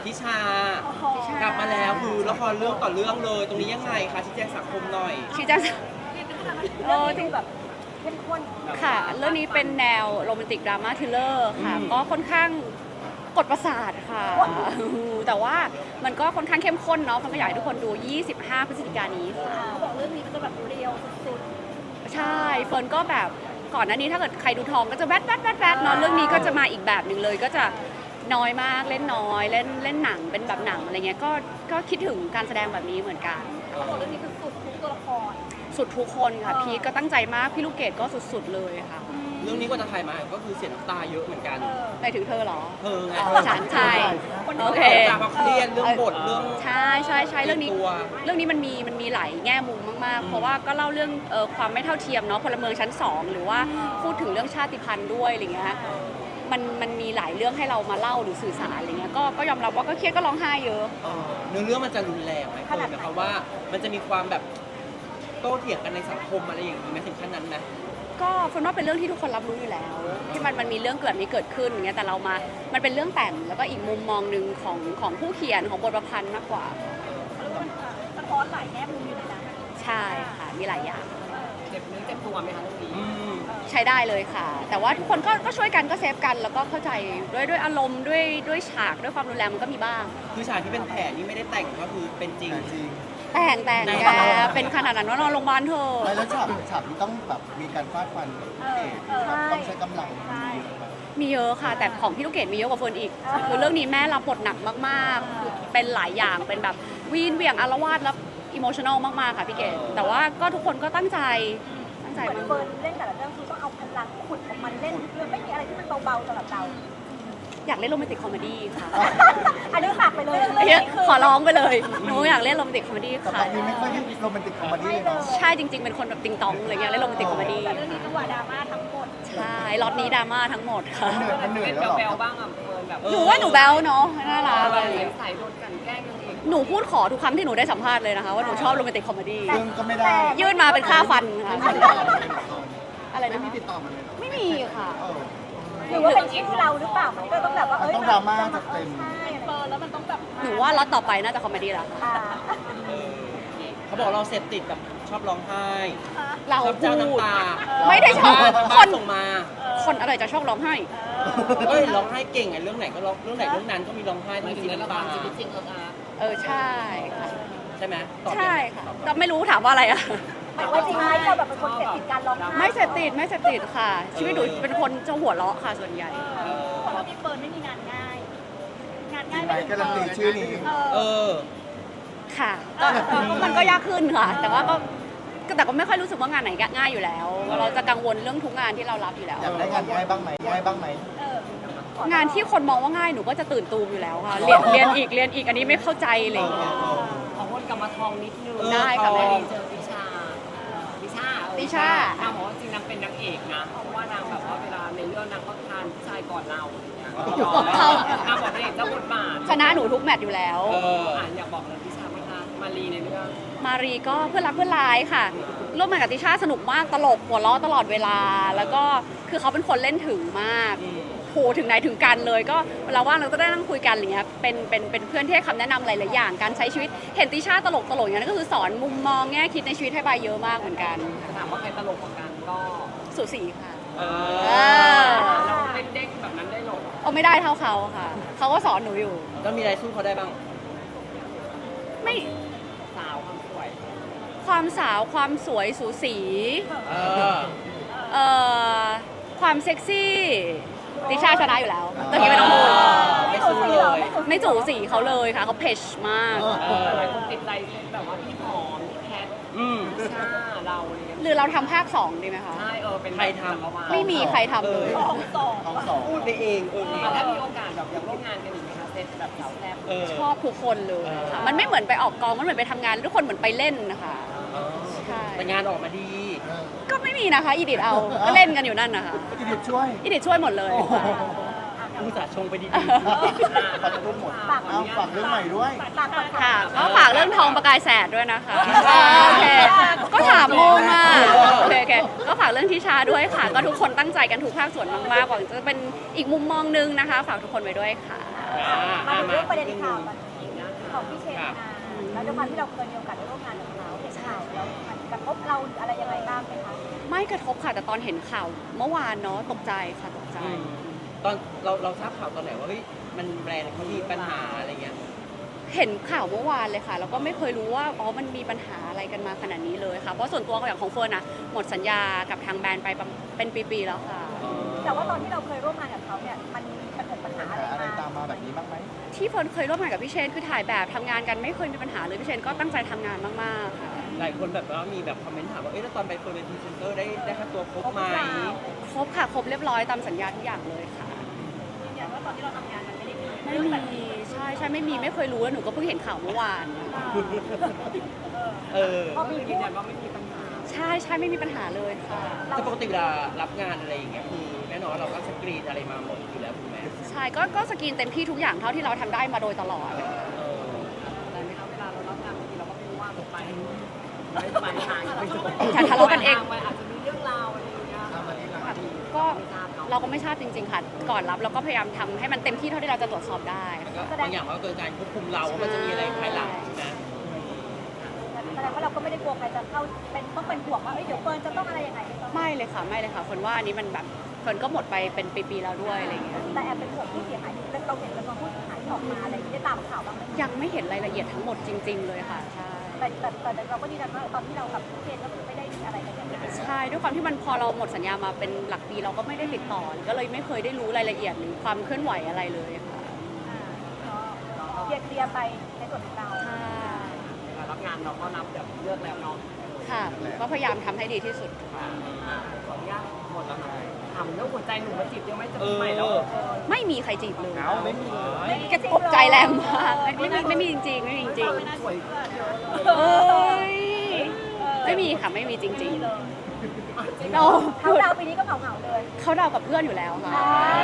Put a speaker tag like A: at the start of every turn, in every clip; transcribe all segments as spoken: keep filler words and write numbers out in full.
A: ทิชากลับมาแล้วคือละครเรื่องต่อเรื่องเลยตรงนี้ยังไงคะชี้แจงสังคมหน่อย
B: ชี้แจง
C: เรื่องนี้ดูแบบเข้มข้น
B: ค่ะเรื่องนี้เป็นแนวโรแมนติกดราม่าทริลเลอร์ค่ะก็ค่อนข้างกดประสาทค่ะแต่ว่ามันก็ค่อนข้างเข้มข้นเนาะฟังก็อยากให้ทุกคนดูยี่สิบห้าพฤศจิกายนนี้ค่ะ
C: เขาบอกเรื่องนี้มันจะแบบเรียวสุด
B: ใช่เฟิร์นก็แบบก่อนหน้านี้ถ้าเกิดใครดูทองก็จะแวดแวดแวดแวดเนาะเรื่องนี้ก็จะมาอีกแบบหนึ่งเลยก็จะน้อยมากเล่นน้อยเล่นเล่นหนังเป็นแบบหนังอะไรเงี้ยก็ก็คิดถึงการแสดงแบบนี้เหมือนกัน
C: ๆเขาบอกเรื่องนี้คือสุดทุกตัวละคร
B: สุดทุกคนค่ะพีทก็ตั้งใจมากพี่ลูกเกดก็สุดๆเลยค่ะ
A: เรื่องนี้ก็จะถ่ายมาก็คือเสียน้ำตาเยอะเหมือนกัน
B: ไปถึงเธอเหรอ
A: เธอไง
B: อ๋อฉันใช่โอเค
A: จากความเครียดเรื่องบทเรื่อง
B: ใช่ใช่ใช่เรื่องนี้
A: ตัว
B: เรื่องนี้มันมีมันมีหลายแง่มุมมากๆ เพราะว่าก็เล่าเรื่องเอ่อความไม่เท่าเทียมเนาะพลเมืองชั้นสองหรือว่าพูดถึงเรื่องชาติพันธุ์ด้วยอะไรเงี้ยมันมันมีหลายเรื่องให้เรามาเล่าหรือสื่อสารอะไรเงี้ยก็ก็ยอมรับว่าก็เครียดก็ร้องไห้เยอะ
A: เออเนื้อเรื่องมันจะรุนแรงไหมเฟิร์นนะคะว่ามันจะมีความแบบโต้เถียงกันในสังคมอะไรอย่างนี้ไหมถึงขั้นนั้นไหม
B: ก็เฟิร์นว่าเป็นเรื่องที่ทุกคนรับรู้อยู่แล้ว ที่มันมันมีเรื่องเกิดนี้เกิดขึ้นอย่างเงี้ยแต่เรามามันเป็นเรื่องแต่งแล้วก็อีกมุมมองหนึ่งของของผู้เขียนของบทประพันธ์มากกว่า
C: เขาเรียกว่าสะท้อนหลายแง่มุมอยู่ในนั้น
B: ใช่ค่ะมีหลายอย่าง
D: เจ็บเนื้อเจ็บตัวไหมคะตรงนี้
A: อืม
B: ใช้ได้เลยค่ะ แต่ว่าทุกคนก็ก็ช่วยกันก็เซฟกันแล้วก็เข้าใจด้วยด้วยอารมณ์ด้วยด้วยฉากด้วยความรุนแรงมันก็มีบ้าง
A: คือฉากที่เป็นแผลนี่ไม่ได้แต่งก็คือเป็นจริง
B: แต่งแต่ง
A: แต่ง
B: แกเป็นขนาดนั้นว่านอนโรงพยาบาลเถอะ
E: ไม่แล้วฉากฉากที่ต้องแบบมีการฟาดฟันกับเอกแบบต้องใช้กำลัง
B: มีเยอะค่ะ แต่ของพี่ลูกเกดมีเยอะกว่าเฟิร์นอีก คือเรื่องนี้แม่รับบทหนักมากๆคือเป็นหลายอย่างเป็นแบบวีนเหวี่ยงอารวาสแล้วอิโมชั่นอลมากๆค่ะพี่เกดแต่ว่าก็ทุกคนก็ตั้งใจตั้งใจ
C: เหมือน
B: มาก
C: เฟิร์นเล่นแต่ละเรื่องคือต้องเอาพลังขุดของมันเล่นเรื่องไม่มีอะไรที่มันเบาๆสำหรับเรา
B: อยากเล่นโรแมนติกคอมเมดี้ค่ะ
C: อันนี้ฝากไปเลย
B: ขอร้องไปเลยหนูอยากเล่นโรแมนติกคอมเมดี้
E: แต่ต
B: ค่ะ
E: อนนี้ไม่ค่อยได้โรแมนติกคอมเมดี้เลยเนาะ
B: ใช่จริงๆเป็นคนแบบติงตองอะไรเงี้ยเล่นโรแมนติกคอมเมดี้
C: แต่เรื่องนี้จังหวะดราม่าทั้งหมด
B: ใช่ล็อตนี้ดราม่าทั้งหมดค่ะ
E: มันเหนื่อยมันเหนื่อย
D: เป็น
E: แล้วเหรอ
D: แบลๆบ้างอ่ะเฟิร์นแบบ
A: เออ
B: หนูว่าหนูแบลเนาะน่ารัก
D: แบ
B: อะไร
D: บ
B: เงี้ย
D: ใสๆโดนกลันแกล้งกันเอง
B: หนูพูดขอทุกครั้งที่หนูได้สัมภาษณ์เลยนะคะว่าหนูชอบโรแมนติกคอมเมดี้
E: ซึ่งก็ไม่ได้
B: ยื่นมาเป็นค่าฟันค่ะอะไร
E: ไม่
B: นะ
E: มี
B: คะ
E: ติดต่อมาเลยเหรอ
B: ไม่มีค่ะ
E: เออ
C: หรือว่าเป็นชื่อเราหรือเปล่ามันก็ต้องแบบว่าเอ้ย
E: มันต้องดราม่าจัดเต็ม
C: ใช่เฟิร์นแล้วมันต้องแบบ
B: หนูว่าล็อตต่อไปน่าจะคอมเมดี้แล้วค่ะ
C: อ่า
A: เขาบอกเราเสพติดกับชอบร้องไห้
B: เรา
A: ชอบ
B: พู
A: เจ้า
B: ด
A: น้ำตา
B: ไม่ได้ชอบ
A: บ้าน
B: ค
A: บ้าน
B: น
A: ส่งมา
B: คนอะไรจะชอบร้องไห้
A: เอ้ยร้องไห้เก่งไงเรื่องไหนก็ร้องเรื่องไหนเรื่องนั้นก็มีร้องไห้
D: หมาย
A: มี
D: ถึง
A: สี
D: ในละ
A: น้ำ
D: ค
A: ตาร
D: ชีวิตจริงเอออาร์
B: เออใช่ค่ะ
A: ใช่ไหมตอบ
B: ใช่
A: ยัง
B: ค่ะ
A: ตอบ
B: ก็ไม่รู้ถามว่าอะไรอะ
C: หมายว่าจริงไหมเราแบบเป็นคนเสพติดการร้องไห้
B: ไม่เสพติดไม่เสพติดค่ะ ชีวิตหนูเป็นคนจะหัวเราะค่ะส่วนใหญ่
C: เพราะว่าพี่เฟิร์นไม่มีงานง่าย งาน
E: จริ
C: ง่าย
E: งไหม
C: ไม่ได้
E: การันตีชื่อนี้
A: เออ
B: ค่ะก็ก็มันก็ยากขึ้นค่ะ แต่ว่าก็ก็แต่ก็ไม่ค่อยรู้สึกว่างานไหนง่ายอยู่แล้ว เราจะกังวลเรื่องทุกงานที่เรารับอยู่แล้ว
E: อยากได้งานง่ายบ้างไหมง่ายบ้างไหม
C: เออง
B: านที่คนมองว่าง่ายหนูก็จะตื่นตูมอยู่แล้วค่ะ เรียนเรียนอีกเรียนอีกอันนี้ไม่เข้าใจอะไรอย่างเลย
D: ขอวนกลับมาทองนิดนึง
A: เออ
B: ได้ค่ะ
A: ท
B: แม่
A: อง
D: ดีเจอติชาติชาเออ
B: ติชา
D: นางบอกว่าจริงนางเป็นนางเอกนะ เพราะว่านางแบบว่าเวลาในเรื่องนางก็ทานผู้ชายก่อนเราอะไรเงี้ย
B: เขา
D: นางบอกนางเอกเจ้าบทบาท
B: ชนะหนูทุกแมตช์อยู่แล้ว
A: เออ
D: อ่านอยากบอกเลยติชาไหมคะมารีในเรื่อง
B: มารีก็เพื่อนรักเพื่อนร้ายค่ะ ร่วมงานกับติชาสนุกมากตลกหัวเราะตลอดเวลา แล้วก็คือเขาเป็นคนเล่นถึงมาก
A: อืม
B: โหถึงไหนถึงกันเลย ก็เวลาว่างเราก็ได้นั่งคุยกันอะไรเงี้ยเป็นเป็นเป็นเพื่อนที่ให้คำแนะนำหลายๆอย่างการใช้ชีวิตเห็นติชาตลกตลกอย่างนั้นก็คือสอนมุมมองแง่คิดในชีวิตให้ใบเยอะมากเหมือนกัน
D: ถามว่าใครตลกกว่ากันก็
B: สุสีค่ะ
A: เอ
B: เอ
A: อ
B: อ
D: เราเล่นเด็กแบบนั้นได้หรอ
B: เอาไม่ได้เท่าเขาค่ะเขาก็สอนหนูอยู่
A: แล้วมีอะไรสู้เขาได้บ้าง
B: ไม่
D: สาวความสวย
B: ความสาวความสวยสูสี
A: เออ
B: เอ่อความเซ็กซี่ติชาชนะอยู่แล้วตอนนี้ไม่ต้องพูด
A: ไม่สู้เลย
B: ไม่จูสีเขาเลยค่ะเขาเพชมาก
A: เออ
D: หลายคนติดใจแบบว่าพี่หอมพี่แคท
A: อืม
D: พี่ชาเราอะไรเงี้ย
B: หรือเราทำภาคสองดีไหมคะ
D: ใช่เออเป็น
A: ใครทำ
D: จักวาล
B: ไม่มีใครทำเลย
C: ของสอง
E: ท้องสอง
A: พูดไปเองเออ
D: อ่ะถ้ามีโอกาสแบบอยากร่วมงานกันอีกไหมคะเซตแบบสาวแซ่บ
A: เออ
B: ชอบทุกคนเลยค่ะมันไม่เหมือนไปออกกองมันเหมือนไปทำงานทุกคนเหมือนไปเล่นนะคะ
A: เออ
B: ใช่
A: แต่งานออกมาดี
E: เออ
B: ก็ไม่มีนะคะอีดิทเอาก็เล่นกันอยู่นั่นนะคะ
E: อีดิทช่วย
B: อีดิทช่วยหมดเลย
E: โอ้โห
A: อุตส่าห์ชงไปดี
E: ขอจะพูดหมดเอาฝากเรื่องใหม่ด้วย
C: ฝากฝาก
B: ค่ะก็ฝากเรื่องทองประกายแสดด้วยนะคะโอเคก็ถามโมงอ่ะโอเคโอเคก็ฝากเรื่องทิชาด้วยค่ะ ก็ทุกคนตั้งใจกันทุกภาคส่วนมากๆหวังจะเป็นอีกมุมมองนึงนะคะ ฝากทุกคนไว้ด้วยค่ะ
C: มาถึงเรื่องประเด็นข่าวตอนนี้ของพี่เชนนาแล้วด้วยความที่เราเคยมีโอกาสได้ร่วมงานกับเขาเห็นข่าวแล้วมันกระทบเราอะไรยังไงบ้างไหมคะ
B: ไม่กระทบค่ะแต่ตอนเห็นข่าวเมื่อวานเนาะตกใจค่ะตกใจ
A: ตอนเราเราทราบข่าวตอนไหนว่าเฮ้ยมันแบรนด์เขามีปัญหาอะไรเงี้ย
B: เห็นข่าวเมื่อวานเลยค่ะแล้วก็ไม่เคยรู้ว่าอ๋อมันมีปัญหาอะไรกันมาขนาดนี้เลยค่ะเพราะส่วนตัวอย่างของเฟิร์นนะหมดสัญญากับทางแบรนด์ไปประเป็นปีๆแล้วค่ะ
C: แต่ว่าตอนที่เราเคยร่วมงานกับเขาเนี่ยมันมีปัญหาปัญหา
E: ปัญ
C: อะไร
E: หาอะไร
C: มา
E: ตามมาแบบนี้บ้างไหม
B: ที่เฟิร์นเคยร่วมงานกับพี่เชนคือถ่ายแบบทำงานกันไม่เคยมีปัญหาเลยพี่เชนก็ตั้งใจทำงานมากๆค่ะ
A: หลายคนแบบว่ามีแบบคอมเมนต์ถามว่าเอ้ยแล้วตอนไปเฟิร์นเป็นพรีเซนเตอร์ได้ได้ค่าตัวครบไหม
B: ครบค่ะครบเรียบร้อยตามสัญญาทุกอย่างเลยค่ะ
C: ยืนยันว่าตอนที่เราทำงานมันไม่ได้มี
B: ไม่มีใช่ใช่ไม่มีไม่เคยรู้แล้วหนูก็เพิ่งเห็นข่าวเมื่อวาน
A: เออ
C: พอมี
D: ยื
C: พู
D: น
C: ด
D: ยันว่าไม่มีปัญหา
B: ใช่ใช่ไม่มีปัญหาเลยค่ะ
A: แต่ปกติเวลารับงานอะไรอย่างเงี้ยคือแน่นอนเราก็สกรีนอะไรมาหมดอยู่แล้วถูกไหม
B: ใช่ก็ก็สกรีนเต็มที่ทุกอย่างเท่าที่เราทำได้มาโดยตลอด
A: เออ
D: แต่ไม่เอาเวลาเรารับงานบางทีเราก็ไม่รู้ว่าไปไม่ไปทางไปจบ
B: อย่าทะเลาะกันเอง
D: ไปอาจจะมีเรื่องราวอะไรอย่างเงี้ย
E: ตามมาที่หลัง
B: ก็เราก็ไม่ทราบจริง ๆ ค่ะ ก่อนรับเราก็พยายามทำให้มันเต็มที่เท่าที่เราจะตรวจสอบได้
A: มันก็บางอย่างมันก็เกิดการควบคุมเราว่ามันจะมีอะไรภายหลังใช่ไหม
C: แสดงว่าเราก็ไม่ได้กลัวใครจะเข้าเป็นต้องเป็นห่วงว่าเอ้ยเดี๋ยวเฟิร์นจะต้องอะไรยังไง
B: ไม่เลยค่ะไม่เลยค่ะคนว่าอันนี้มันแบบคนก็หมดไปเป็นปีๆแล้วด้วยอะไรอย่างเงี้ย
C: แต่แอบเป็นห่วงผู้เสียหายแล้วเราเห็นจำนวนผู้เสียหายที่ออกมาอะไรที่ได้ตามข่าวบ้างไหม
B: ยังไม่เห็นรายละเอียดทั้งหมดจริง ๆ เลยค่ะใช่
C: แต่แต่แต่เราก็ยืนยันว่าตอนที่เรากับพี่เชนก็คือไม่ได้มีอะไรกันอย่างนี้
B: ใช่ด้วยความที่มันพอเราหมดสัญญามาเป็นหลักปีเราก็ไม่ได้ติดต่อก็เลยไม่เคยได้รู้รายละเอียดหรือความเคลื่อนไหวอะไรเลยค่ะ
C: เคลียร์เคลียร์ไปในส่วนของเรา
B: ค่ะ
D: เวลารับงานเราก็รับแบบเลือกแล้วเนาะ
B: ค่ะก็พยายามทำให้ดีที่สุด
D: ขออนุญาตหมดแล้วนะทำเรื่องหัวใจหนูมาจีบยังไม่จะ
A: เอ
D: มี
A: อ
D: ใหม่แล้ว
B: ไม่มีใครจีบเลย
E: เอาไม่มี
B: แกตกใจแรงมากไม่ไม่ไม่มีจริงๆไม่มีจริง
D: สวย
B: ๆเอ้ยไม่มีค่ะไม่มีจริงๆเรา
C: เขาดาวปีนี้ก็เหงาเหงาเลย
B: เขาเดากับเพื่อนอยู่แล้วค่ะ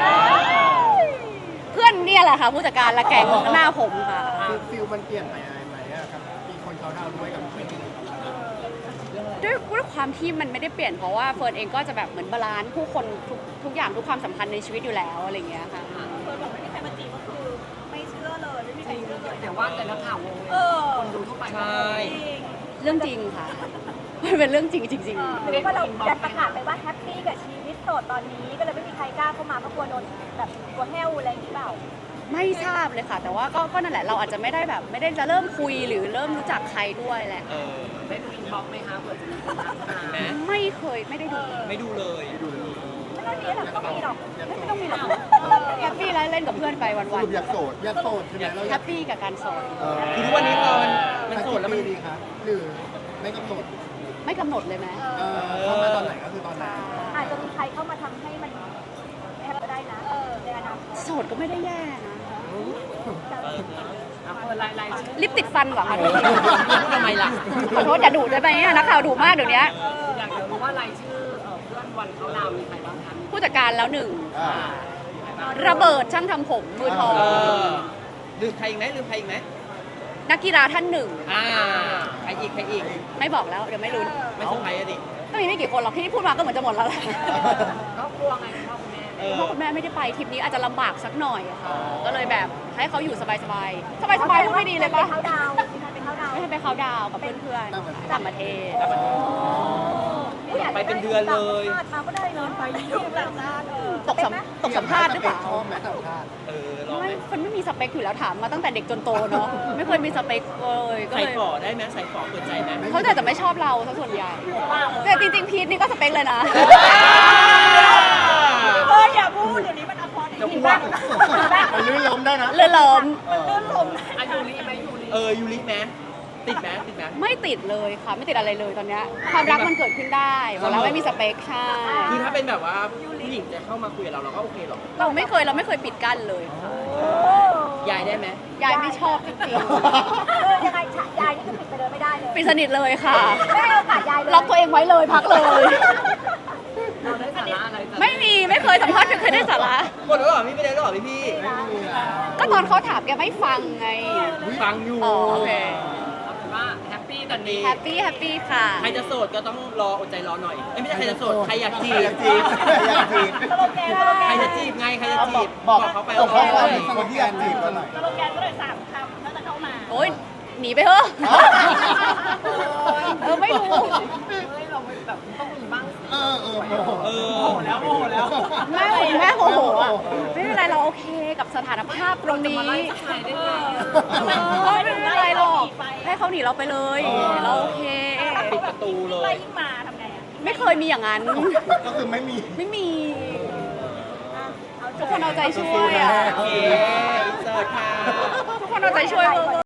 B: เพื่อนเนี่ยแหละค่ะผู้จัดการละแกงหน้าผมค่ะ
E: คือฟิลมันเปลี่ยนไปอะไรไหมอะครับมีคนเขาดาวน์ด้วยกับไม่มี
B: ด้วยด้วยความที่มันไม่ได้เปลี่ยนเพราะว่าเฟิร์นเองก็จะแบบเหมือนบาลานซ์ผู้คนทุกทุกอย่างทุกความสัมพันธ์ในชีวิตอยู่แล้วอะไรอย่างเงี้ยค่ะ
C: เฟิร์นบอกไม่มีใครมาจีบก็คือไม่เชื่อเลยไม่มีใครเชื่อเลย
D: แต่ว่าแต่ละข่าววง
C: เออ
D: คนดูทั่วไป
A: ใช่
B: เรื่องจริงค่ะ มันเป็นเรื่องจริงจริง
C: หรือว่าเราดันประกาศไปว่าแฮปปี้กับชีวิตโสดตอนนี้ก็เลยไม่มีใครกล้าเข้ามาเพราะกลัวโดนแบบกลัวแห้วอะไรอย่างนี้เปล่า
B: ๆไม่ทราบเลยค่ะ แต่ว่าก็ก็นั่นแหละเราอาจจะไม่ได้แบบไม่ได้จะเริ่มคุยหรือเริ่มรู้จักใครด้วยแหละ
A: เออ
D: ได้ดูอินบ็อกซ์ไหมคะเผื่อจะมีคนทักมา
A: ไหม
B: ไม่เคยไม่ได้ดู
A: ไม่ดูเลย
E: ดูเลย
C: ไม่ต้องมีหรอกต้องมีหรอก
B: ไม่ต้องมีหรอกแฮปปี้แล้วเล่นกับเพื่อนไปวัน
E: สรุปอยากโสดอยากโสดใช่ไหมเรา
B: ๆ
E: อ
B: แฮ
E: ยาก
B: ปปี้กับการโสด
E: เออ
A: คือทุกวันนี้พอมันมันโสดแล้วมัน
E: ดีครับหรือไม่กำหนด
B: ไม่กำหนดเลยไหม
E: เออเข้ามาตอนไหนก็คือตอนนั้น
C: อาจจะมีใครเข้ามาทำให้มันแฮปก็ได้นะในอนาคต
B: โสดก็ไม่ได้แย่นะ
A: เออ
D: อ่ะเปิดรายรายชื่อ
B: ลิปติดฟันเหรอคะ
A: พูดทำไมล่ะ
B: ขอโทษอย่าดุได้ไหมอะนักข่าวดุมากเดี๋ยวนี้
D: อยากจะรู้ว่ารายชื่อเอ่อเพื่อนวันเขาดาวน์มีใครบ้างคะ
B: ผู้จัดการแล้วหนึ่ง
E: อ่า
B: ระเบิดช่างทำผมมือทอง
A: เออลืมใครอีกไหมลืมใครอีกไหม
B: นักกีฬาท่านหนึ่ง
A: อ่าใครอีกใครอีก
B: ไม่บอกแล้วเดี๋ยวไม่รู้
A: ไม่เซอร์ไพรส์อะดิ
B: ก็มีไม่กี่คนหรอกที่พูดมาก็เหมือนจะหมดแล้วแหละ
D: ก็กลัวไงคุณพ่อคุณแม่
A: เออ
B: พ่อคุณแม่ไม่ได้ไปทริปนี้อาจจะลำบากสักหน่อยอะค่ะก็เลยแบบให้เขาอยู่สบายๆ สบายๆพูดไม่ดีเลยปะ
C: เขาดาวมีใครเป็นเขาดาว
B: ไม่ให้ไปเขาน์ดาวน์กับเพื่อนๆต่างประเทศ
A: ไปเป็นเดือนเลย
C: มาก็ได้เลยไปยุ่งต่างชาติเออ
B: ตกสัมตกสัมภาษณ์หรือเปล่า
E: ชอบไหมต่างชาติ
A: เออลองไหม
B: ไม่คนไม่มีสเปคอยู่แล้วถามมาตั้งแต่เด็กจนโตเนาะไม่เคยมีสเปคเลยก็
A: ใส่
B: เลย
A: ฝอได้ไหมใส่ฝอเปิดใจไหม
B: เขาแต่จะไม่ชอบเราซะส่วนใหญ่แต่จริงๆพีทนี่ก็สเปคเลยนะ
C: เอออย่าพูดเดี๋ยวนี้มันอภรณ์
A: จะพูด
E: มันลื่นล้มได้นะ
B: เรือล้ม
E: เออ
D: อายุรีไหมยูรี
A: เออยูริไหมติดไหมติดไหม
B: ไม่ติดเลยค่ะไม่ติดอะไรเลยตอนเนี้ยความรักมันเกิดขึ้นได้บอกแล้วไม่มีสเปคใช่
A: คือถ้าเป็นแบบว่าผู้หญิงจะเข้ามาคุยกับเราเราก็โอเคหรอก
B: เราไม่เคยเราไม่เคยปิดกั้นเลยค่ะ
A: ยายได้ไหม
B: ยายไม่ชอบจริง
C: เออยังไงฉะยายนี่คือปิดไปเลยไม่ได้เลย
B: ๆปิดสนิทเลยค่ะ
C: ไม่ให้โอกาสยายเลย
B: ล็อกตัวเองไว้เลยพักเลย
D: เราได้สาระอะไรจาก
B: ไม่มีไม่เคยสัมภาษณ์ไม่เคยได้สาระ
A: หมดแล้วเหรอพี่ไม่ได้แล้วเหรอพี่พี่
E: ไม่มีแล้ว
B: ก็ตอนเขาถามแกไม่ฟังไง
A: ฟังอยู่
B: อ๋อโอเค
D: เอาเป็นว่าแฮปปี้
A: ตอนนี้
B: แฮปปี้แฮปปี้ค่ะ
A: ใครจะโสดก็ต้องรออดใจรอหน่อยเอ้ยไม่ใช่ใครจะโสดใครอยากจี
E: ใครอยากจีบใครอยากจีบ
C: สโลแกนสโลแก
A: ใคร
C: น
A: จะจีบไงใครจะ
E: เอาบ
A: จี
E: อก
A: บ
E: บอก
A: เขาไป
E: ส่งข้อความ
A: เอ
E: ถึงคนที่อยากจีบกันหน่อย
C: สโลแกนก็เลยสามคำถ้าจะเข้ามา
B: โอ๊ยหนีไปเถอะเออไม่รู้
D: เฮ้ยเราแบบต้องมีบ้าง
E: เออเออโมโห
A: เออ
D: โอ้โหแล้วโอ้โหแล้ว
B: แม่แม่โมโหอะไม่เป็นไรเราโอเคกับสถานภาพตรงนี้
D: มาไล่ผู้ชายได้ไง
B: ก็ไม่เป็นไรหรอกให้เขาหนีเราไปเลย เราโอเค
A: ปิดประตูเล
C: ไล่
A: ย
C: ยิ่งมาทำไงอ่ะ
B: ไม่เคยมีอย่างนั้น
E: ก็คือไม่มี
B: ไม่มี
C: เอา
B: ทุกคนเอาใจช่วยอ่ะ
A: โอเคเสิร์ชค่ะ
B: ทุกคนเอาใจช่วยเวอร์